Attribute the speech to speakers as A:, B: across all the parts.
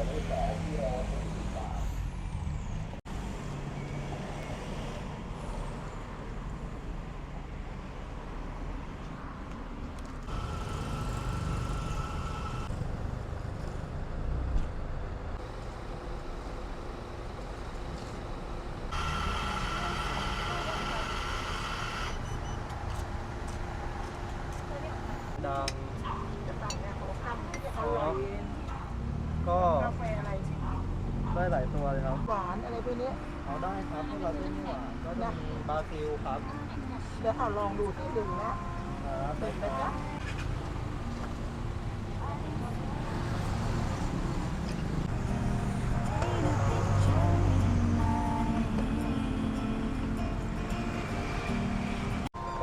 A: ดัง
B: จะสั่งเนี่ยเขาทำอร่อย
A: ก็
B: กาแฟอะไร
A: ได้หลายตัวเลยครับ
B: หวานอะไรพวกนี้
A: เอาได้ครับพวกเราเป็นหวานก็จะมีบราซิลครับ
B: เดี๋ยวเอาลองดูที่ดื่มนะครับ เด็ดนะจ๊ะ
A: ก็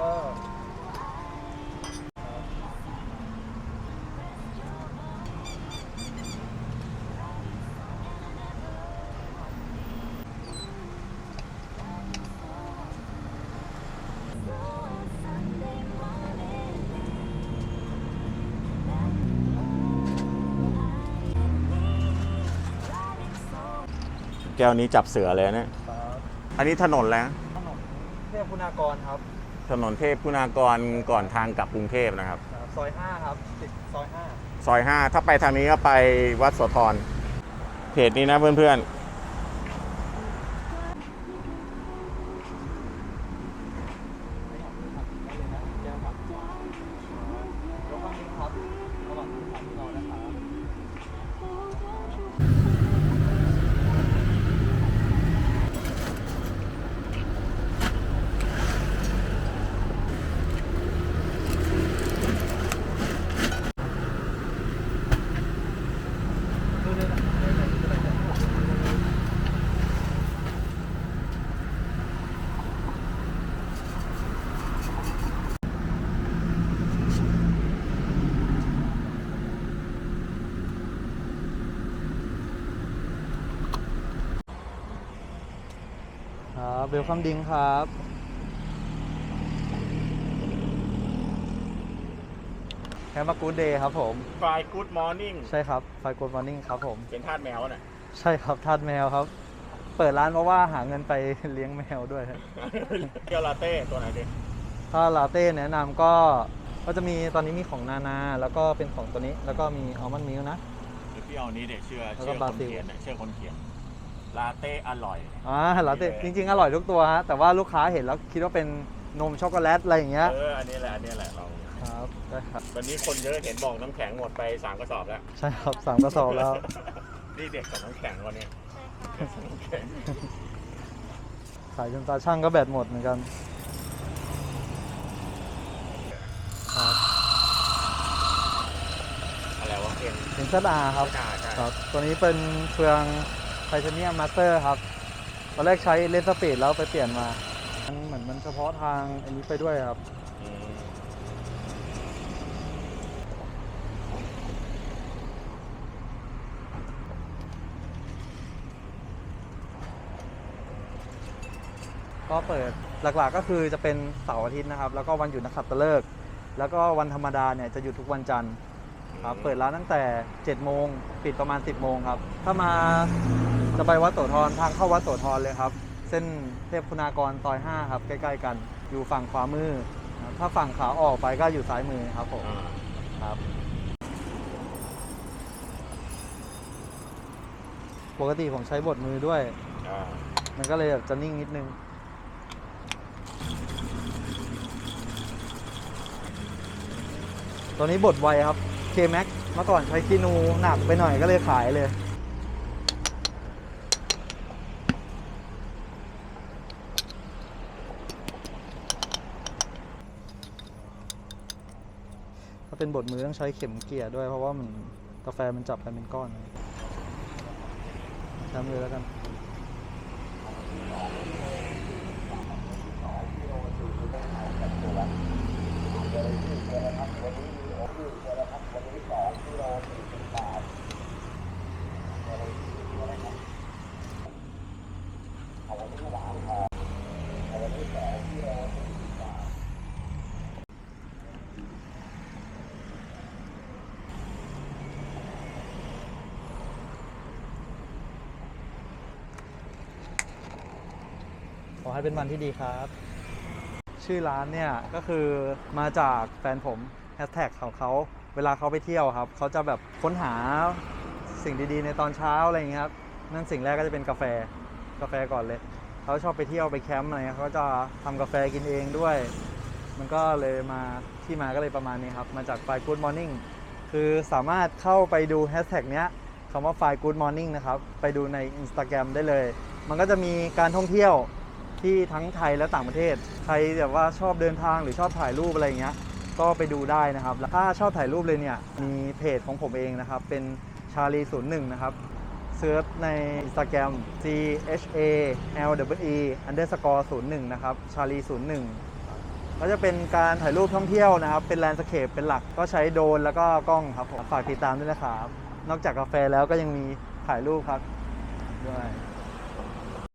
C: แก้วนี้จับเสือเลยเนี่ย
A: ครับ
C: อันนี้ถนนแล้ว
A: ขนมเทพคุณากรครับ
C: ถนนเทพคุณากรก่อนทางกลับกรุงเทพนะครับ
A: ซอย5ครับติดซอย
C: ซอย 5 ถ้าไปทางนี้ก็ไปวัดโสธรเพจนี้นะเพื่อน
A: ครับเวลคัมดิ้งครับแฮมกูดเดย์ครับผม
C: ๆ Fly Good Morning
A: ใช่ครับไฟโกลมอร์นิ่งครับผม
C: เป็นทาสแมวน่ะ
A: ใช่ครับทาสแมวครับ เปิดร้านเพราะว่าหาเงินไปเลี้ยงแมวด้วยครับ
C: เกียวลาเต้ตัวไหนดิ
A: ถ้าลาเต้แนะนำก็จะมีตอนนี้มีของนานาแล้วก็เป็นของตัวนี้แล้วก็มีอัลมอนด์มิลค์นะ
C: เดี๋ยวพี่เอานี้เดี๋ยวเชื่อ
A: แล้วก็
C: คน
A: บราซิล
C: เขียนเชื่อคนเขียนลาเต้อร่อย
A: ลาเต้จริงๆอร่อยทุกตัวฮะแต่ว่าลูกค้าเห็นแล้วคิดว่าเป็นนมช็อกโกแลตอะไรอย่างเงี้ย
C: อันนี้แหละเรา
A: ครับได้ครับ
C: วันนี้คนเยอะเห็นบอกน้ำแข็งหมดไป3 กระสอบแล้ว
A: ใช่ครับ3 กระสอบแล้ว
C: นี่เด็กกับน้ำแข็งวันนี้น้ำแข็ง
A: ขายจนตาช่างก็แบตหมดเหมือนกันครับ
C: อะไรวะเอ็น
A: เป็นซัดอาครับ
C: ใช่
A: ครับตัวนี้เป็นเฟืองไทเทเนียมมาสเตอร์ครับตอนแรกใช้เลนส์สปีดแล้วไปเปลี่ยนมาเหมือนมันเฉพาะทางอันนี้ไปด้วยครับ
C: อืม
A: ก็เปิดหลักๆก็คือจะเป็นเสาร์อาทิตย์นะครับแล้วก็วันหยุดนักขัตฤกษ์แล้วก็วันธรรมดาเนี่ยจะหยุดทุกวันจันทร์ครับเปิดร้านตั้งแต่7 โมงปิดประมาณ10 โมงครับถ้ามาจะไปวัดโสธรทางเข้าวัดโสธรเลยครับเส้นเทพคุณากรซอย5ครับใกล้ๆกันอยู่ฝั่งขวามือครับถ้าฝั่งขาออกไปก็อยู่ซ้ายมือครับผมครับปกติผมใช้บดมือด้วยมันก็เลยแบบจะนิ่งนิดนึงตัวนี้บดไวครับ K-Max เมื่อก่อนใช้คีนูหนักไปหน่อยก็เลยขายเลยถ้าเป็นบดมือต้องใช้เข็มเกี่ยด้วยเพราะว่ามันกาแฟมันจับกันเป็นก้อนทำเลยแล้วกันขอให้เป็นวันที่ดีครับ ชื่อร้านเนี่ยก็คือมาจากแฟนผมแฮชแท็กของเขาเวลาเขาไปเที่ยวครับเขาจะแบบค้นหาสิ่งดีๆในตอนเช้าอะไรอย่างเงี้ยครับนั่นสิ่งแรกก็จะเป็นกาแฟก่อนเลยเขาชอบไปเที่ยวไปแคมป์อะไรเงี้ยเขาจะทำกาแฟกินเองด้วย มันก็เลยมาที่มาก็เลยประมาณนี้ครับมาจาก File Good Morning คือสามารถเข้าไปดูแฮชแท็กเนี้ยคำว่า File Good Morning นะครับไปดูใน Instagram ได้เลย มันก็จะมีการท่องเที่ยวที่ทั้งไทยและต่างประเทศใครแบบว่าชอบเดินทางหรือชอบถ่ายรูปอะไรอย่างเงี้ยก็ไปดูได้นะครับแล้วถ้าชอบถ่ายรูปเลยเนี่ยมีเพจของผมเองนะครับเป็นชาลี01นะครับเซิร์ชใน Instagram CHALWE_01 นะครับชาลี01ก็จะเป็นการถ่ายรูปท่องเที่ยวนะครับเป็นแลนด์สเคปเป็นหลักก็ใช้โดรนแล้วก็กล้องครับผมฝากติดตามด้วยนะครับนอกจากกาแฟแล้วก็ยังมีถ่ายรูปครับด้วย